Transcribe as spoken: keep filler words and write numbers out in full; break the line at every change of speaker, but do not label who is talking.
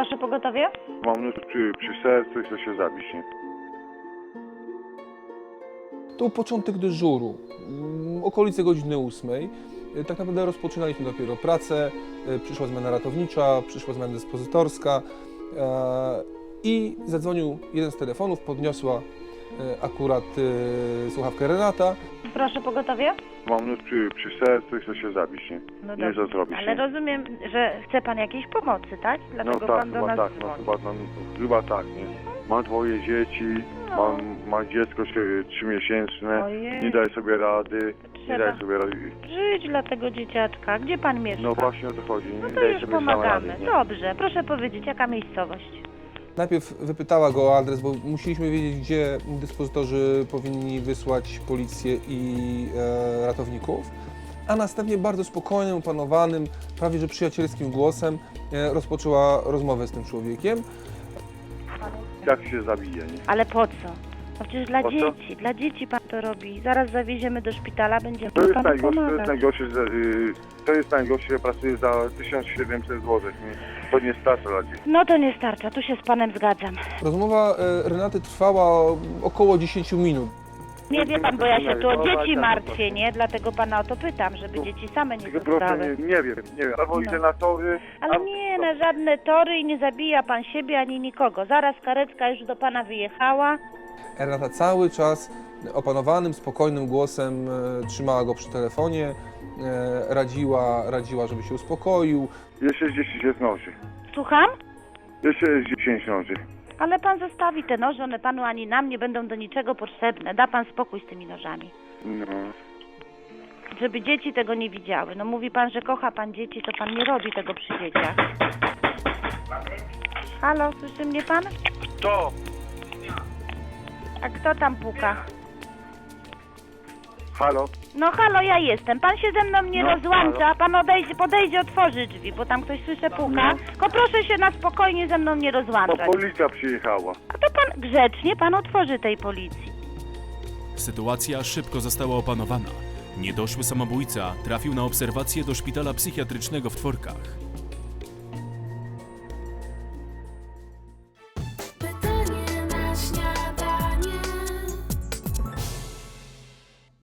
Proszę pogotowie?
Mam nóż przy, przy sercu i chcę się zabić, nie?
To był początek dyżuru, mm, okolice godziny ósmej. Y, Tak naprawdę rozpoczynaliśmy dopiero pracę, y, przyszła zmiana ratownicza, przyszła zmiana dyspozytorska e, i zadzwonił jeden z telefonów, podniosła y, akurat y, słuchawkę Renata.
Proszę pogotowie?
Mam nóż przy, przy sercu i chcę się zabić, nie?
No
Nie wiem, co zrobić,
ale
nie?
rozumiem, że chce pan jakiejś pomocy, tak?
No
Dlatego
tak,
pan do
chyba
nas
tak, no
dzwoni.
chyba, no, chyba tak, nie? Mam dwoje dzieci,
No.
mam, mam dziecko się- trzymiesięczne,
Ojej.
nie daję sobie rady, nie
Trzeba
daję sobie rady.
żyć dla tego dzieciaczka. Gdzie pan mieszka?
No właśnie o to chodzi, nie
No to
daję
już
sobie sam rady,
pomagamy.
nie?
Dobrze, proszę powiedzieć, jaka miejscowość?
Najpierw wypytała go o adres, bo musieliśmy wiedzieć, gdzie dyspozytorzy powinni wysłać policję i e, ratowników, a następnie bardzo spokojnym, opanowanym, prawie że przyjacielskim głosem e, rozpoczęła rozmowę z tym człowiekiem.
Jak się zabije, nie?
Ale po co? No przecież dla
Po co?
dzieci, dla dzieci pan to robi. Zaraz zawieziemy do szpitala, będziemy
To jest
panu
najgorsze, to jest
pomagać.
najgorsze, że, y, to jest najgorsze, że pracuję za tysiąc siedemset złotych, nie? To nie starcza dla dzieci.
No to nie starcza, tu się z panem zgadzam.
Rozmowa e, Renaty trwała około dziesięć minut.
Nie wie pan, bo ja się tu o dzieci
tak,
martwię,
tak.
nie? Dlatego pana o to pytam, żeby dzieci same nie
Tylko proszę,
zostały.
nie, nie wiem, nie wiem, albo
No.
idę na tory,
Ale
albo-
nie, na żadne tory i nie zabija pan siebie ani nikogo. Zaraz karetka już do pana wyjechała.
Renata cały czas opanowanym, spokojnym głosem e, trzymała go przy telefonie, e, radziła, radziła, żeby się uspokoił.
Jeszcze dziesięć jest noży.
Słucham?
Jeszcze jest dziesięć noży.
Ale pan zostawi te noże, one panu ani nam nie będą do niczego potrzebne. Da pan spokój z tymi nożami.
No.
Żeby dzieci tego nie widziały. No mówi pan, że kocha pan dzieci, to pan nie robi tego przy dzieciach. Halo, słyszy mnie pan?
To!
A kto tam puka?
Halo?
No halo, ja jestem. Pan się ze mną nie
No,
rozłącza,
halo.
pan odejdzie, podejdzie, otworzy drzwi, bo tam ktoś słyszę puka.
No.
Tylko proszę się na spokojnie ze mną nie
Bo
rozłączać.
policja przyjechała.
A to pan grzecznie, pan otworzy tej policji.
Sytuacja szybko została opanowana. Niedoszły samobójca trafił na obserwację do szpitala psychiatrycznego w Tworkach.